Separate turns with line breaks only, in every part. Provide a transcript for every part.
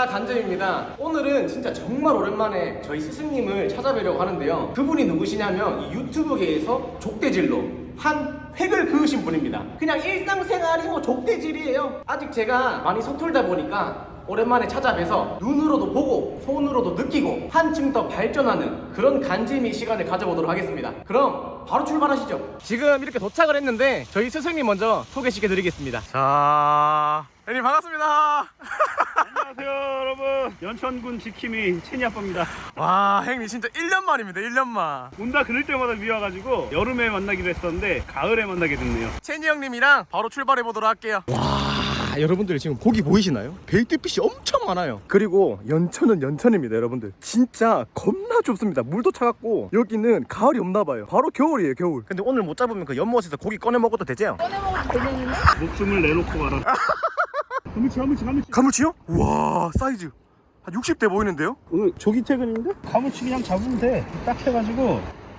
반갑습니다. 간점입니다. 오늘은 진짜 정말 오랜만에 저희 스승님을 찾아뵈려고 하는데요. 그분이 누구시냐면 이 유튜브계에서 족대질로 한 획을 그으신 분입니다. 그냥 일상생활이 뭐 족대질이에요. 아직 제가 많이 서툴다 보니까 오랜만에 찾아뵈서 눈으로도 보고 손으로도 느끼고 한층 더 발전하는 그런 간지미 시간을 가져보도록 하겠습니다. 그럼 바로 출발하시죠. 지금 이렇게 도착을 했는데 저희 스승님 먼저 소개시켜드리겠습니다. 자, 형님 반갑습니다.
안녕하세요 여러분, 연천군 지킴이 채니 아빠입니다.
와, 형님 진짜 1년 만입니다. 1년 만.
온다 그럴 때마다 미워가지고 여름에 만나기로 했었는데 가을에 만나게 됐네요.
채니 형님이랑 바로 출발해 보도록 할게요. 와, 여러분들 지금 고기 보이시나요? 베이트핏이 엄청 많아요. 그리고 연천은 연천입니다. 여러분들 진짜 겁나 좁습니다. 물도 차갑고 여기는 가을이 없나봐요. 바로 겨울이에요, 겨울. 근데 오늘 못 잡으면 그 연못에서 고기 꺼내 먹어도 되죠?
꺼내 먹어도 되겠는데?
목숨을 내놓고 가라. 가물치.
가물치요? 와, 사이즈 한 60대 보이는데요?
오늘 조기 퇴근인데? 가물치 그냥 잡으면 돼. 딱 해가지고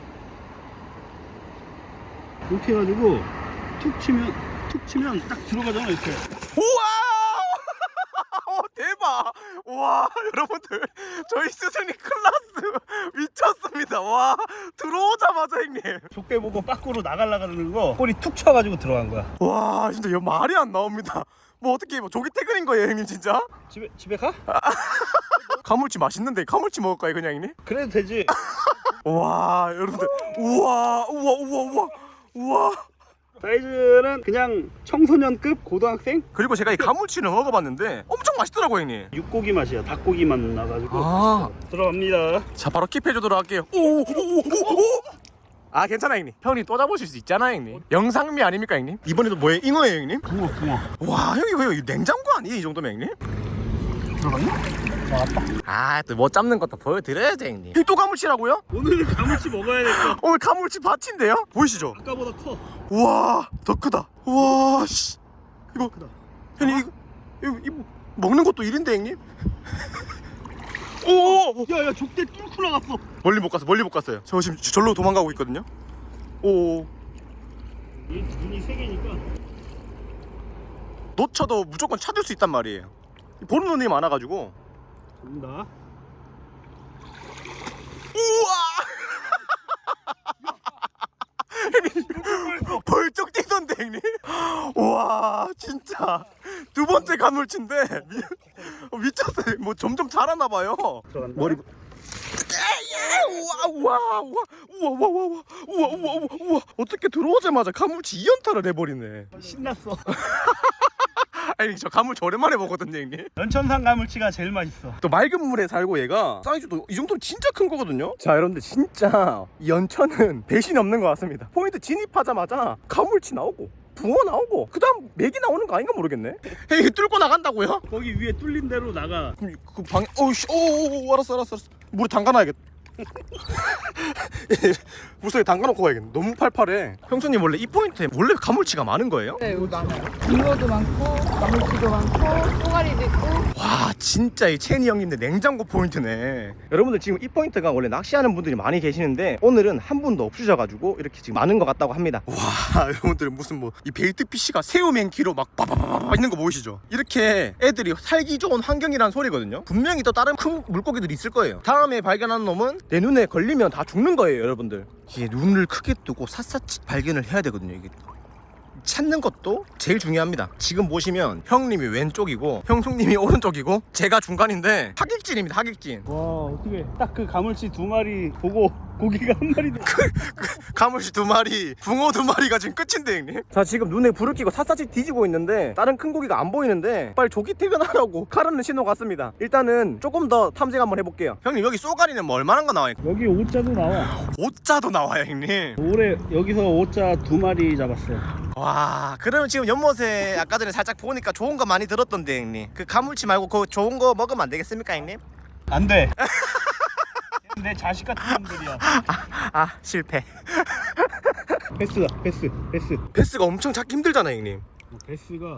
이렇게 해가지고 툭 치면 딱 들어가잖아 이렇게.
우와! 대박! 와, 여러분들 저희 스승님 클라스 미쳤습니다. 와, 들어오자마자 형님.
족대 보고 밖으로 나가려는 거 꼬리 툭 쳐가지고 들어간 거야.
와, 진짜 이거 말이 안 나옵니다. 뭐 어떻게 뭐 조기 퇴근인 거예요, 형님 진짜?
집에 가?
가물치 맛있는데 가물치 먹을까요, 그냥 형님?
그래도 되지.
와, 여러분들, 우와.
사이즈는 그냥 청소년급 고등학생?
그리고 제가 이 가물치를 먹어봤는데 엄청 맛있더라고요, 형님.
육고기 맛이야. 닭고기 맛 나가지고.
아,
들어갑니다.
자, 바로 킵해주도록 할게요. 오. 아, 괜찮아, 형님. 형님 또 잡으실 수 있잖아요, 형님. 영상미 아닙니까, 형님? 이번에도 뭐예요? 잉어예요, 형님?
붕어.
와, 형님 왜요? 냉장고 아니에요, 이 정도면, 형님?
들어갔나? 나왔다.
아, 또 뭐 잡는 것도 보여드려야죠, 형님. 이 또 가물치라고요?
오늘은 가물치 먹어야 될까?
오늘 가물치 밭인데요? 보이시죠?
아까보다 커.
우와, 더 크다. 우와, 씨. 이거,
크다.
형님, 이거 먹는 것도 일인데, 형님? 오!
야야, 족대 뚫고 나갔어.
멀리 못 갔어요. 저 지금 절로 도망가고 있거든요. 오.
이 눈이 세 개니까.
놓쳐도 무조건 찾을 수 있단 말이에요. 보는 눈이 많아가지고.
된다.
우와! 벌쩍 뛰던데, 형님. 우와, 진짜 두 번째 가물치인데 미쳤어요. 뭐 점점 자라나봐요.
들어간다.
머리. 우와. 어떻게 들어오자마자 가물치 2연타를 해버리네.
신났어.
아니, 저 가물치 오랜만에 먹거든요, 형님.
연천산 가물치가 제일 맛있어.
또 맑은 물에 살고 얘가 사이즈도 이 정도면 진짜 큰 거거든요. 자, 여러분들 진짜 연천은 배신이 없는 것 같습니다. 포인트 진입하자마자 가물치 나오고 붕어 나오고 그 다음 맥이 나오는 거 아닌가 모르겠네. 헤이, 뚫고 나간다고요?
거기 위에 뚫린 대로 나가.
그럼 그 방에 어우씨, 오, 알았어. 물에 담가놔야겠다. 물속에 담가놓고 가야겠네. 너무 팔팔해. 형수님 원래 이 포인트에 원래 가물치가 많은 거예요?
네, 여기 많아요. 붕어도 많고, 가물치도 많고, 쏘가리도 있고.
와, 진짜 이 채니 형님네 냉장고 포인트네. 여러분들 지금 이 포인트가 원래 낚시하는 분들이 많이 계시는데 오늘은 한 분도 없으셔가지고 이렇게 지금 많은 것 같다고 합니다. 와, 여러분들 무슨 뭐 이 베이트 피쉬가 새우 맨키로 막 빠바바바 있는 거 보이시죠? 이렇게 애들이 살기 좋은 환경이란 소리거든요. 분명히 또 다른 큰 물고기들이 있을 거예요. 다음에 발견한 놈은 내 눈에 걸리면 다 죽는 거예요, 여러분들. 이게 눈을 크게 뜨고 샅샅이 발견을 해야 되거든요. 이게 찾는 것도 제일 중요합니다. 지금 보시면 형님이 왼쪽이고 형수님이 오른쪽이고 제가 중간인데 하객진입니다. 하객진.
와, 어떻게 딱 그 가물치 두 마리 보고 고기가 한 마리도.
가물치 두 마리, 붕어 두 마리가 지금 끝인데, 형님. 자, 지금 눈에 불을 켜고 샅샅이 뒤지고 있는데 다른 큰 고기가 안 보이는데 빨리 조기 퇴근하라고 카르는 신호 같습니다. 일단은 조금 더 탐색 한번 해볼게요. 형님, 여기 쏘가리는 뭐 얼마나 거 나와요?
여기 오자도 나와.
오자도 나와요, 형님.
올해 여기서 오자 두 마리 잡았어요.
와, 그러면 지금 연못에 아까 전에 살짝 보니까 좋은 거 많이 들었던데, 형님. 그 가물치 말고 그 좋은 거 먹으면 안 되겠습니까, 형님?
안 돼. 내 자식 같은 놈들이야.
실패.
패스다. 패스.
패스가 엄청 잡기 힘들잖아요, 형님.
패스가.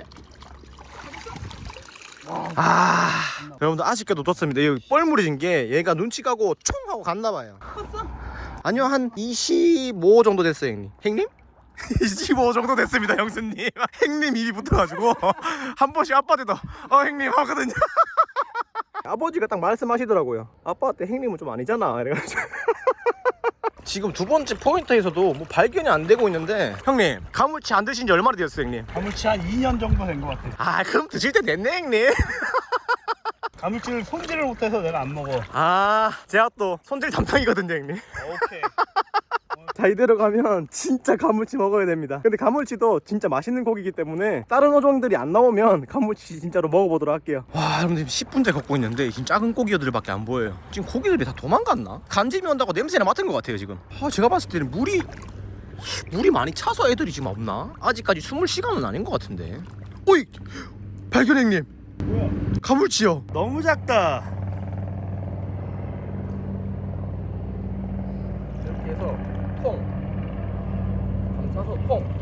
여러분들 아쉽게도 놓쳤습니다. 여기 뻘무리진 게 얘가 눈치 가고 총 하고 갔나봐요. 컸어? 아니요, 한 25 정도 됐어요, 형님. 형님? 25 정도 됐습니다, 형수님. 형님 입이 붙어가지고 한 번씩 아빠들도 형님 하거든요. 아버지가 딱 말씀하시더라고요. 아빠한테 형님은 좀 아니잖아 이래가지고. 지금 두 번째 포인트에서도 뭐 발견이 안 되고 있는데 형님 가물치 안 드신 지 얼마나 되었어요 형님?
가물치 한 2년 정도 된 것 같아.
아 그럼 드실 때 됐네 형님.
가물치를 손질을 못해서 내가 안 먹어.
아 제가 또 손질 담당이거든요 형님.
오케이.
자 이대로 가면 진짜 가물치 먹어야 됩니다. 근데 가물치도 진짜 맛있는 고기이기 때문에 다른 어종들이 안 나오면 가물치 진짜로 먹어보도록 할게요. 와 여러분들 지금 10분째 걷고 있는데 지금 작은 고기들밖에 안 보여요. 지금 고기들이 다 도망갔나? 간짐이 온다고 냄새나 맡은 것 같아요 지금. 제가 봤을 때는 물이 많이 차서 애들이 지금 없나? 아직까지 숨을 시간은 아닌 것 같은데. 오이 발견 형님.
뭐야?
가물치요.
너무 작다.
이렇게 해서 통 감싸서 통.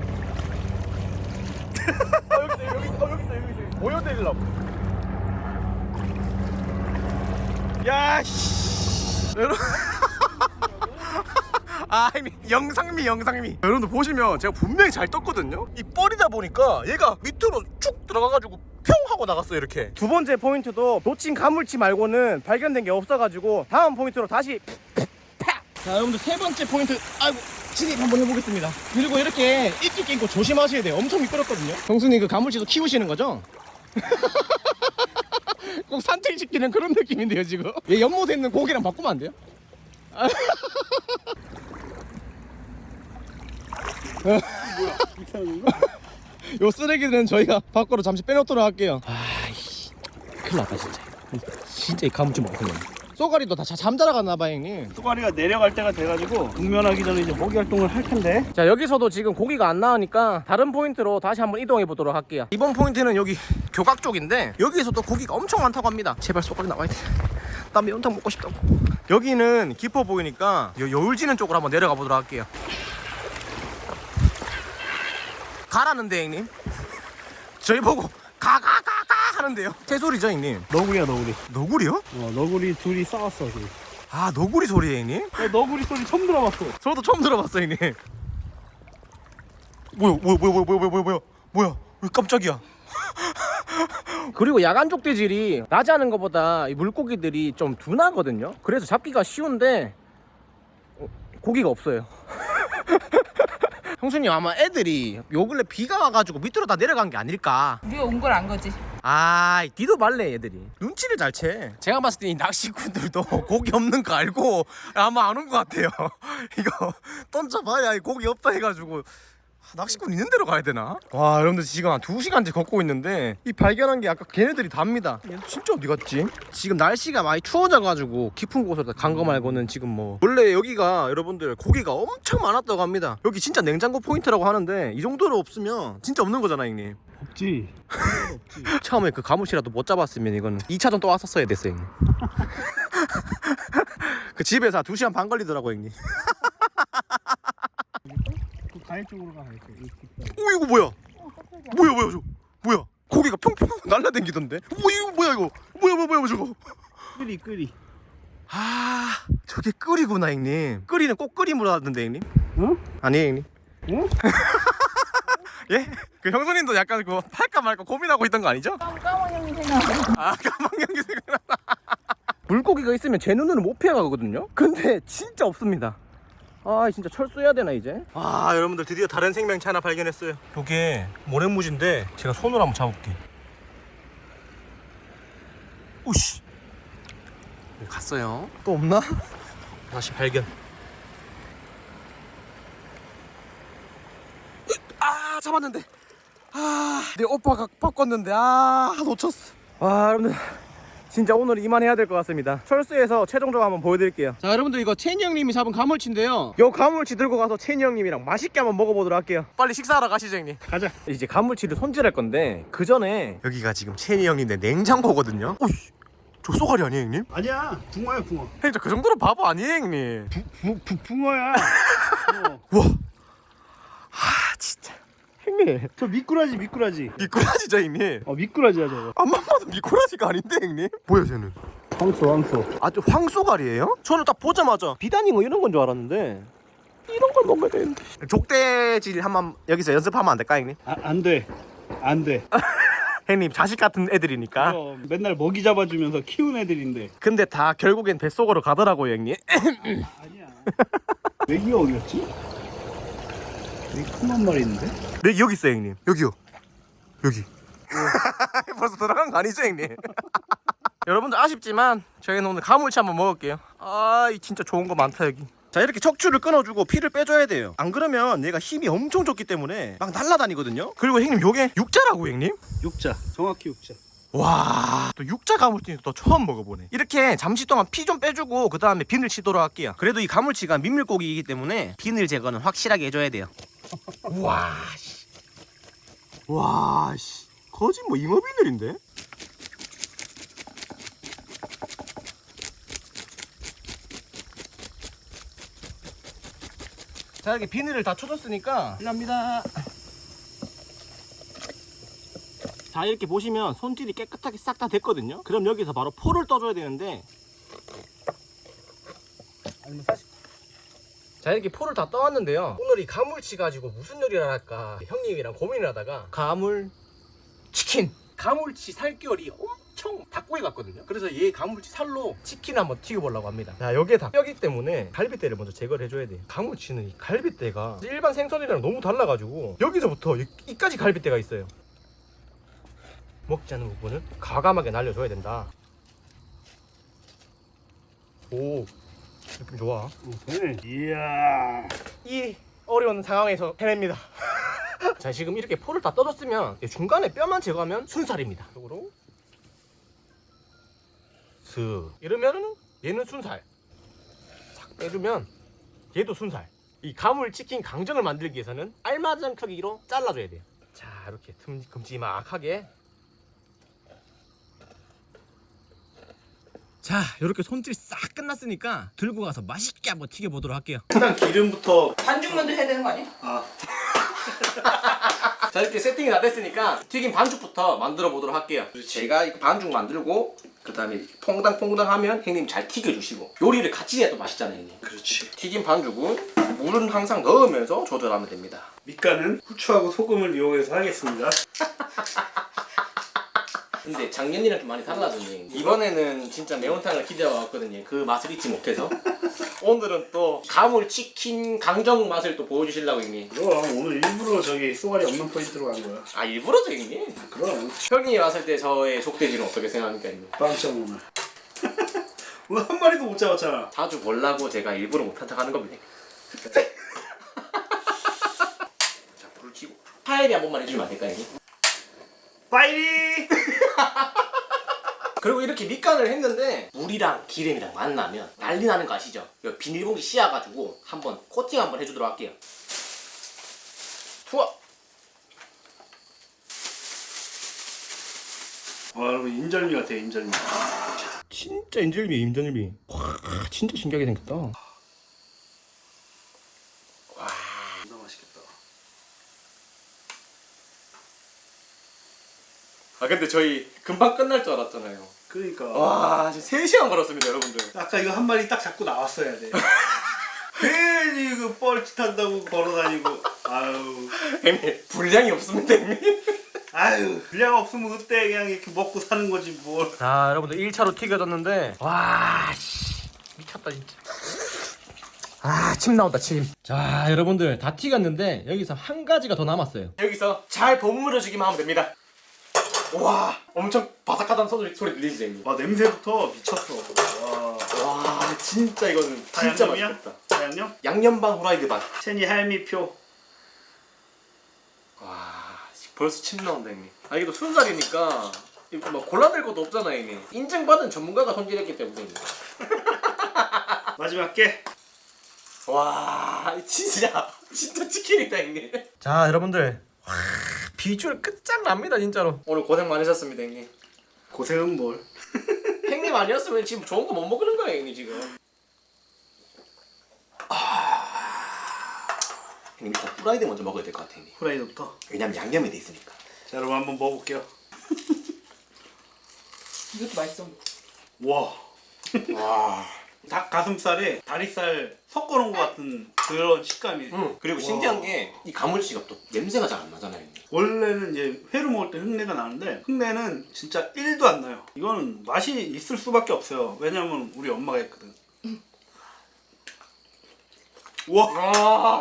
여기 있어. 보여드리려고. 야씨. 아 형님 영상미. 여러분들 보시면 제가 분명히 잘 떴거든요. 이 뻘이다 보니까 얘가 밑으로 쭉 들어가가지고 평 하고 나갔어요 이렇게. 두 번째 포인트도 놓친 가물치 말고는 발견된 게 없어가지고 다음 포인트로 다시 자 여러분들 세 번째 포인트 아이고 진입 한번 해보겠습니다. 그리고 이렇게 입기 끼고 조심하셔야 돼요. 엄청 미끄럽거든요. 형수님 그 가물치도 키우시는 거죠? 꼭 산책시키는 그런 느낌인데요 지금. 얘 연못에 있는 고기랑 바꾸면 안 돼요?
이상한 거?
요 쓰레기들은 저희가 밖으로 잠시 빼놓도록 할게요. 아이씨 큰일 났다 진짜 이 가물치 먹었네. 쏘가리도 다 잠자러 갔나봐 형님.
쏘가리가 내려갈 때가 돼가지고 국면하기 전에 이제 먹이 활동을 할 텐데.
자 여기서도 지금 고기가 안 나오니까 다른 포인트로 다시 한번 이동해 보도록 할게요. 이번 포인트는 여기 교각 쪽인데 여기에서도 고기가 엄청 많다고 합니다. 제발 쏘가리 나와야 돼. 나 매운탕 먹고 싶다고. 여기는 깊어 보이니까 여울지는 쪽으로 한번 내려가 보도록 할게요. 가라는데 형님. 저희 보고 가가가가 하는데요. 새소리죠 형님?
너구리야 너구리.
너구리요?
너구리 둘이 싸웠어 지금.
아 너구리 소리예요 형님?
너구리 소리 처음 들어봤어.
저도 처음 들어봤어요 형님. 뭐야 왜 깜짝이야. 그리고 야간 족대질이 낮에 하는 것보다 이 물고기들이 좀 둔하거든요. 그래서 잡기가 쉬운데 고기가 없어요. 형수님 아마 애들이 요 근래 비가 와가지고 밑으로 다 내려간 게 아닐까.
우리가 온 걸 안 거지.
아 니도 말래 애들이 눈치를 잘 채. 제가 봤을 때 이 낚시꾼들도 고기 없는 거 알고 아마 안 온 것 같아요. 이거 던져봐야 고기 없다 해가지고 낚시꾼 있는 데로 가야 되나? 와 여러분들 지금 한 2시간째 걷고 있는데 이 발견한 게 아까 걔네들이 답니다. 얘 진짜 어디 갔지? 지금 날씨가 많이 추워져가지고 깊은 곳으로 간 거 말고는 지금 뭐 원래 여기가 여러분들 고기가 엄청 많았다고 합니다. 여기 진짜 냉장고 포인트라고 하는데 이 정도로 없으면 진짜 없는 거잖아 형님.
없지. 없지.
처음에 그 가물치라도 못 잡았으면 이거는 2차전 또 왔었어야 됐어요 형님. 그 집에서 2시간 반 걸리더라고 형님.
그 가해 쪽으로 가.
오 이거 뭐야? 뭐야 저 뭐야? 고기가 평평 날라댕기던데? 이거 뭐야 이거? 뭐야 저거?
끓이.
아 저게 끓이구나 형님. 끓이는 꼭 끓임으로 하던데 형님?
응?
아니에요 형님.
응?
예? 그 형수님도 약간 그거 할까 말까 고민하고 있던 거 아니죠?
까만 형이 생각.
아 까망형이 생각나. 물고기가 있으면 제 눈으로 못 피해가거든요? 근데 진짜 없습니다. 아 진짜 철수해야 되나 이제? 아 여러분들 드디어 다른 생명체 하나 발견했어요. 요게 모래무지인데 제가 손으로 한번 잡아볼게. 오씨 갔어요. 또 없나? 다시 발견. 아 잡았는데 내 오빠가 바꿨는데 놓쳤어. 와 여러분들 진짜 오늘 이만해야 될 것 같습니다. 철수해서 최종적으로 한번 보여드릴게요. 자 여러분들 이거 채니 형님이 잡은 가물치인데요. 요 가물치 들고 가서 채니 형님이랑 맛있게 한번 먹어보도록 할게요. 빨리 식사하러 가시죠 형님.
가자.
이제 가물치를 손질할 건데 그 전에 여기가 지금 채니 형님의 냉장고거든요. 오이 저 쏘가리 아니에요 형님?
아니야. 붕어야 붕어.
형님 저 그 정도로 바보 아니에요 형님?
붕어야.
와 진짜 형님
저 미꾸라지.
미꾸라지죠 형님?
미꾸라지야 저거.
앞만 봐도 미꾸라지가 아닌데 형님? 뭐야 쟤는?
황소.
아주 황소가리예요? 저는 딱 보자마자 비단잉어 이런 건 줄 알았는데 이런 걸 먹어야 되는데. 족대질 한번 여기서 연습하면 안 될까 형님?
안 돼.
형님 자식 같은 애들이니까.
맨날 먹이 잡아주면서 키운 애들인데.
근데 다 결국엔 뱃속으로 가더라고요 형님.
아니야. 메기가 어디였지? 여기 큰 한 마리 있는데?
네 여기 있어요 형님. 여기요. 여기. 벌써 들어간 거 아니죠 형님? 여러분들 아쉽지만 저희는 오늘 가물치 한번 먹을게요. 아, 이 진짜 좋은 거 많다 여기. 자, 이렇게 척추를 끊어주고 피를 빼줘야 돼요. 안 그러면 얘가 힘이 엄청 좋기 때문에 막 날아다니거든요. 그리고 형님 요게 육자라고 형님?
육자. 정확히 육자.
와, 또 육자 가물치는 또 처음 먹어보네. 이렇게 잠시 동안 피 좀 빼주고 그 다음에 비늘 치도록 할게요. 그래도 이 가물치가 민물고기이기 때문에 비늘 제거는 확실하게 해줘야 돼요. 와, 씨. 와, 씨. 거짓 뭐 잉어 비늘인데? 자, 이렇게 비늘을 다 쳐줬으니까 필요합니다. 자, 이렇게 보시면 손질이 깨끗하게 싹 다 됐거든요. 그럼 여기서 바로 포를 떠줘야 되는데,
아니면 사실
자, 이렇게 포를 다 떠왔는데요. 오늘 이 가물치 가지고 무슨 요리를 할까 형님이랑 고민을 하다가 가물치킨, 가물치 살결이 엄청 닭고기 같거든요. 그래서 얘 가물치 살로 치킨을 한번 튀겨보려고 합니다. 자, 여기에 다 뼈기 때문에 갈비뼈를 먼저 제거를 해줘야 돼요. 가물치는 이 갈비뼈가 일반 생선이랑 너무 달라가지고 여기서부터 이까지 갈비뼈가 있어요. 먹지 않은 부분은 과감하게 날려줘야 된다. 오, 느낌 좋아.
네. 이야.
이 어려운 상황에서 해냅니다. 자, 지금 이렇게 포를 다 떠줬으면 중간에 뼈만 제거하면 순살입니다. 이쪽으로 슥 이러면은 얘는 순살, 싹 빼주면 얘도 순살. 이 가물치킨 강정을 만들기 위해서는 알맞은 크기로 잘라줘야 돼요. 자, 이렇게 큼지막하게. 자, 이렇게 손질 싹 끝났으니까 들고 가서 맛있게 한번 튀겨보도록 할게요.
일단 기름부터.
반죽 먼저 해야 되는 거 아니야?
아.
자, 이렇게 세팅이 다 됐으니까 튀김 반죽부터 만들어 보도록 할게요. 제가 이 반죽 만들고 그 다음에 퐁당퐁당 하면 형님 잘 튀겨주시고, 요리를 같이 해야 또 맛있잖아요 형님.
그렇지.
튀김 반죽은 물은 항상 넣으면서 조절하면 됩니다.
밑간은 후추하고 소금을 이용해서 하겠습니다.
근데 작년이랑 좀 많이 달라졌네. 이번에는 진짜 매운탕을 기대하고 왔거든요. 그 맛을 잊지 못해서. 오늘은 또 가물치킨 강정 맛을 또 보여주시려고 형님.
그럼 오늘 일부러 저기 쏘가리 없는 포인트로 간 거야.
아, 일부러죠 형님?
그럼
형님이 왔을 때 저의 속돼지는 어떻게 생각합니까 형님?
빵점 오늘. 오늘 한 마리도 못 잡았잖아.
자주 보려고 제가 일부러 못한 척 하는 겁니다. 자, 불을 켜고 파에비 한 번만 해주시면 안 될까요 형님?
파이리!
그리고 이렇게 밑간을 했는데 물이랑 기름이랑 만나면 난리 나는 거 아시죠? 이거 비닐봉지 씌워가지고 한번 코팅 한번 해주도록 할게요. 투어!
와, 여러분 인절미 같아, 인절미.
진짜 인절미, 인절미. 와, 진짜 신기하게 생겼다. 와,
진짜 맛있겠다.
아 근데 저희 금방 끝날 줄 알았잖아요.
그러니까.
와, 지금 3시간 걸었습니다 여러분들.
아까 이거 한 마리 딱 잡고 나왔어야 돼. 괜히 그 뻘짓한다고 걸어다니고. 아유.
형님, 분량이 없습니다 형님.
아유. 분량 없으면 그때 그냥 이렇게 먹고 사는 거지 뭘.
자, 여러분들 1차로 튀겨졌는데, 와, 씨, 미쳤다 진짜. 아, 침 나온다 침. 자, 여러분들 다 튀겼는데 여기서 한 가지가 더 남았어요. 여기서 잘 버무려 주기만 하면 됩니다. 와, 엄청 바삭하다는 소리 들리시죠 형님?
와, 냄새부터 미쳤어. 와.
와, 진짜 이거는 진짜
양념이야?
맛있겠다.
양념?
양념 반 후라이드 반.
체니 할미표.
와, 벌써 침 나온다 형님. 아, 이게 또 순살이니까 이거 막 골라낼 것도 없잖아요 형님. 인증받은 전문가가 손질했기 때문에 형님.
마지막 게.
와, 진짜 치킨이다 형님. 자, 여러분들, 와, 비주얼 끝장납니다 진짜로. 오늘 고생 많으셨습니다 형님.
고생은 뭘.
형님 아니었으면 지금 좋은 거 못 먹는 거예요 형님 지금. 형님 일단 후라이드 먼저 먹어야 될 것 같아요 형님.
후라이드부터.
왜냐면 양념이 돼 있으니까.
자, 여러분 한번 먹어볼게요.
이것도 맛있어.
와.
와,
닭 가슴살에 다리살 섞어놓은 것 같은 그런 식감이에요.
그리고 신기한 게 이 가물치가 또 냄새가 잘 안 나잖아요.
원래는 이제 회로 먹을 때 흙내가 나는데 흙내는 진짜 1도 안 나요. 이거는 맛이 있을 수밖에 없어요. 왜냐면 우리 엄마가 했거든. 우와!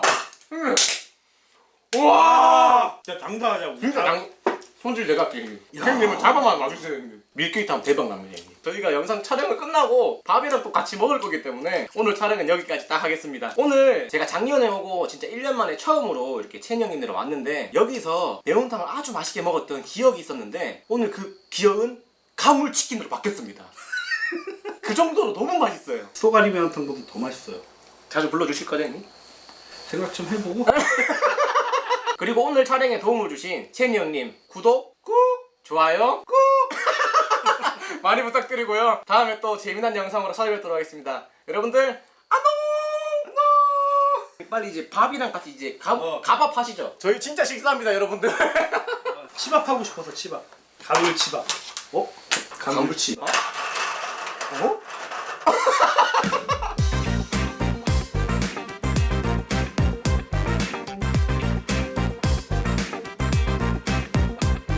우와!
진짜 장사하자고.
진짜 손질 내가 할게. 형님은 잡아만 와주세요. 형님. 밀키트 하면 대박 납니다. 형님. 저희가 영상 촬영을 끝나고 밥이랑 또 같이 먹을 거기 때문에 오늘 촬영은 여기까지 딱 하겠습니다. 오늘 제가 작년에 오고 진짜 1년 만에 처음으로 이렇게 채니 형님들 왔는데 여기서 매운탕을 아주 맛있게 먹었던 기억이 있었는데 오늘 그 기억은 가물치킨으로 바뀌었습니다. 그 정도로 너무 맛있어요.
소가리 매운탕보다 더 맛있어요.
자주 불러주실 거죠 형님?
생각 좀 해보고.
그리고 오늘 촬영에 도움을 주신 채니 형님 구독 꾹 좋아요 꾹 많이 부탁드리고요. 다음에 또 재미난 영상으로 찾아뵙도록 하겠습니다. 여러분들 안녕. 빨리 이제 밥이랑 같이 이제 가밥 하시죠. 저희 진짜 식사합니다 여러분들.
치밥하고 싶어서 치밥. 가물치밥. 어?
가물치. 어?